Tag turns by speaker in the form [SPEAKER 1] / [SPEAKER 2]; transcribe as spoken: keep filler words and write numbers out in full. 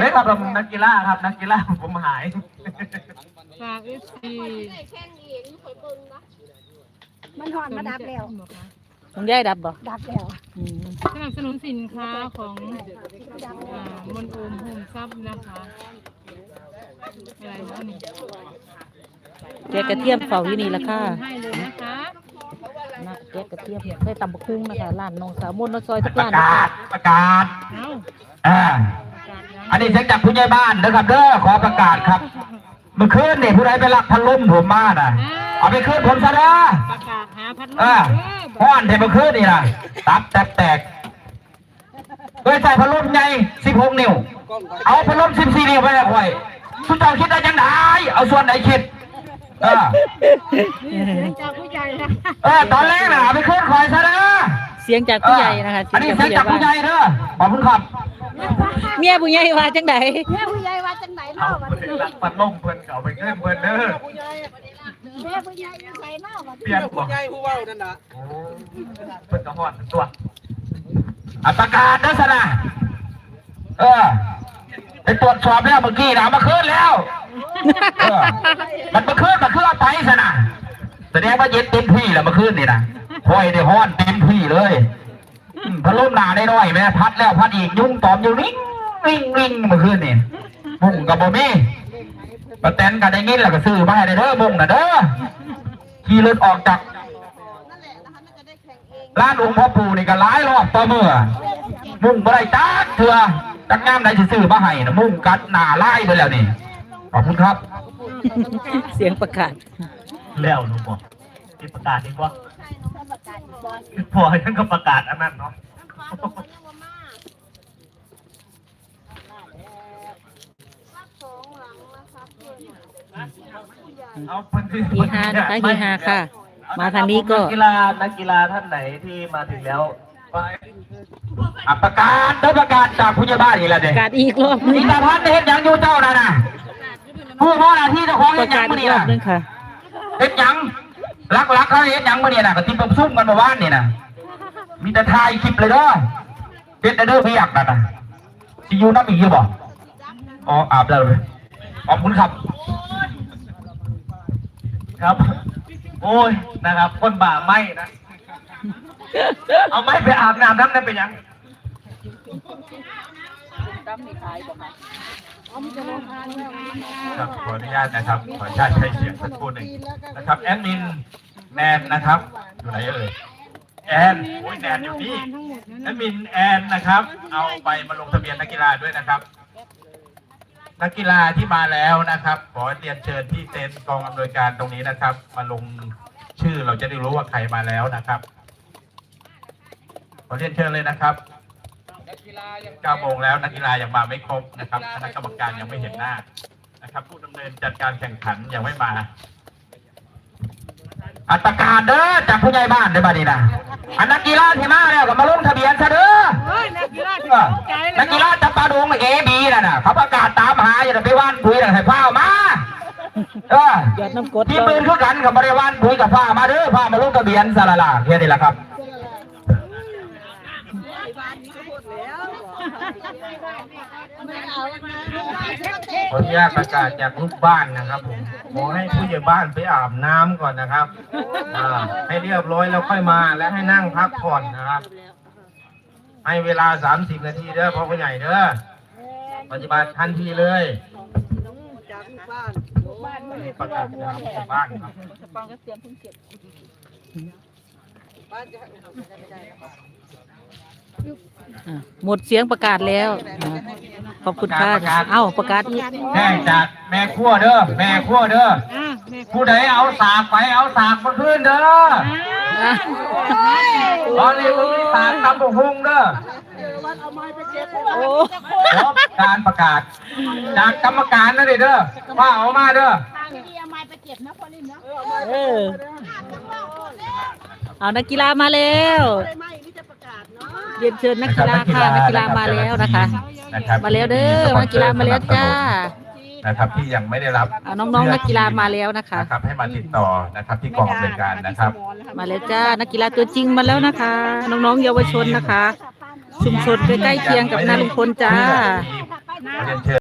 [SPEAKER 1] เลยครับนักกีฬาครับนักกีฬาผมหาย
[SPEAKER 2] ฝากเอฟซี
[SPEAKER 3] มันหอนมาดับแล้ว
[SPEAKER 4] ต้องย้ายดับบ่
[SPEAKER 3] ดับแล้ว
[SPEAKER 2] สนับสนุนสินค้าของมนโอมโฮมซับนะคะอะไรบ้างนี่
[SPEAKER 4] แกกระเทียมเฝ้าอยู่นี่ละค่ะ
[SPEAKER 2] ให้เลยนะคะ
[SPEAKER 4] นะแกกระเทียมใส่ตำบักหุ่งนะคะร้านน้องสาวมนต์ซอยทุกร้าน
[SPEAKER 1] ประกาศประกาศ
[SPEAKER 2] อ่า
[SPEAKER 1] อันนี้เสียงจากผู้ใหญ่บ้านนะครับเด้อขอประกาศครับเมื่อคืนนี่ผู้ใดไปลักพัดลมผมมาน่ะเอาไปคืนผมซะนะ
[SPEAKER 2] ประกาศหาพัดลม
[SPEAKER 1] อ่าห้อนเทเมื่อคืนนี่นะตับแตกแตกโดยใส่พัดลมใหญ่สิบหกนิ้วเอาพัดลมสิบสี่นิ้วไปให้ข่อยทุกเจ้าคิดได้ยังไงเอาส่วนไหนคิดเออ
[SPEAKER 2] จากผู้ใหญ่นะ
[SPEAKER 1] เออตอนแรกน่ะเอาไปคืนข่อยซะนะ
[SPEAKER 4] เสียงจากผู้ใหญ่นะคะ
[SPEAKER 1] อันนี้เสียงจากผู้ใหญ่เด้อขอบคุณครับ
[SPEAKER 4] เมียผู้ใหญ่ว่าจังได
[SPEAKER 3] เมียผู้ใหญ่ว่าจังไหนเล่าวันนี้
[SPEAKER 1] รักปัดล่มเพิ่นเก่าไปเงินเพิ่นเด้อ
[SPEAKER 3] เมียผู้ใหญ่ใส่เล่าวัน
[SPEAKER 1] นี้เปลี่ยนผู้ใหญ่ผู้เว้านั่นน่ะโอ้เพิ่นก็ฮอดตัวอัตการเด้อซะนะเออไปตรวจสอบแล้วเมื่อกี้นะมาคืนแล้วเออมันมาคืนมาคืนเอาไปซะนะแสดงว่าเย็นเต็มที่แล้วมาคืนนี่นะห้อยได้ฮ้อนเต็มที่เลยพัดลมหนาได้น้อยแม่พัดแล้วพัดอีกยุ่งตอมอยู่นิ่งนิ่งนิ่งเมื่อคืนนี่มุ่งกับบ่มีปะแตนกันได้ยินแล้วก็ซื้อมาให้ได้เด้อมุ่งน่ะเด้อขี่รถออกจากร้านองค์พ่อปู่นี่ก็หลายรอบต่อเมื่อมุ่งบ่ได้จักเถื่อจักงามใดสิซื้อมาให้นะมุ่งกัดหน้าไล่ไปแล้วนี่ขอบคุณครับ
[SPEAKER 4] เสียงประกาศ
[SPEAKER 1] แล้วหนูบอกที่ประกาศดีกว่าพอท่านก็ประกาศอันนั้นเนาะ
[SPEAKER 4] ฮีฮานะคะฮีฮาค่ะมาทางนี้ก็
[SPEAKER 1] นักกีฬานักกีฬาท่านไหนที่มาถึงแล้วประกาศได้ประกาศจากผู้ใหญ่บ้านอีกแล้วเด็ก
[SPEAKER 4] ประกาศอีกรอบนึง
[SPEAKER 1] อีตาพันเห็นยังอยู่เจ้าน่ะนะผู้พ่อหน้าที่เจ้าของเห็นยังมื่อนี้นะเห็นยังรักรักเขาเห็นยังมื่อนี้นะก็ที่ผมซุ่มกันมาว่านนี่นะมีแต่ทายคลิปเลยเด้อเด็ดเด้อพี่อยากนั่นนะซียูน้ำอีกเยอะบ่อ๋ออาบแล้วเลยขอบคุณครับครับโอ้ยนะครับคนบ่าไหมนะเอาไม่ไปอาบน้ำน้ำนั่นเป็นยังครับขออนุญาตนะครับขออนุญาตใช้เสียงสักครู่หนึ่งนะครับแอดมินแนนนะครับอยู่ไหนเอ่ยแอนโอ้ยแนนอยู่นี่แอดมินแอนนะครับเอาไปมาลงทะเบียนนักกีฬาด้วยนะครับนักกีฬาที่มาแล้วนะครับขอเรียนเชิญที่เต็นท์กองอำนวยการตรงนี้นะครับมาลงชื่อเราจะได้รู้ว่าใครมาแล้วนะครับขอเรียนเชิญเลยนะครับเก้าโมงแล้วนักกีฬายังมาไม่ครบนะครับคณะกรรมการยังไม่เห็นหน้านะครับผู้ดำเนินจัดการแข่งขันยังไม่มาอัตการเด้อจากผู้ใหญ่บ้านได้บ้านี้นะอันนักกีฬาที่มาแล้วก็มาลงทะเบียนซะเด้อนักกีฬานักกีฬาจับปลาดงเอบีน่ะนะเขาประกาศตามหาอย่าไปว่านคุยให้ผ้ามาเออที่ปืนคือกันกับบริวารคุยกับผ้ามาเด้อผ้ามาลงทะเบียนซะละล่ะแค่นี้แหละครับขออนุญาตประกาศจากลูกบ้านนะครับผมขอให้ผู้ใหญ่บ้านไปอาบน้ำก่อนนะครับให้เรียบร้อยแล้วค่อยมาและให้นั่งพักผ่อนนะครับให้เวลาสามสิบนาทีเด้อพ่อผู้ใหญ่เด้อปฏิบัติทันทีเลยประกาศจากลูกบ้านครับ
[SPEAKER 4] หมดเสียงประกาศแล้วขอบคุณค่ะเอ้าประกาศอีก
[SPEAKER 1] แม่จากแม่ขั้วเด้อแม่ขั้วเด้อผู้ใดเอาสากไปเอาสากมาขึ้นเด้อตอนนี้มีสากตำบุกหุ่งเด้อการประกาศจากกรรมการนะเด้อว่าเอามาเด้อ
[SPEAKER 4] เอานักกีฬามาแล้วเรียนเชิญนักกีฬาค่ะนักกีฬามาแล้วนะคะมาแล้วเด้อนักกีฬามาแล้วจ้า
[SPEAKER 1] นะครับที่ยังไม่ได้รับ
[SPEAKER 4] น้องๆนักกีฬามาแล้วนะคะ
[SPEAKER 1] นะครับให้มาติดต่อนะครับที่กองอำนวยการนะครับ
[SPEAKER 4] มาแล้วจ้านักกีฬาตัวจริงมาแล้วนะคะน้องๆเยาวชนนะคะชุมชนใกล้ๆเคียงกับนาลุงพลจ้า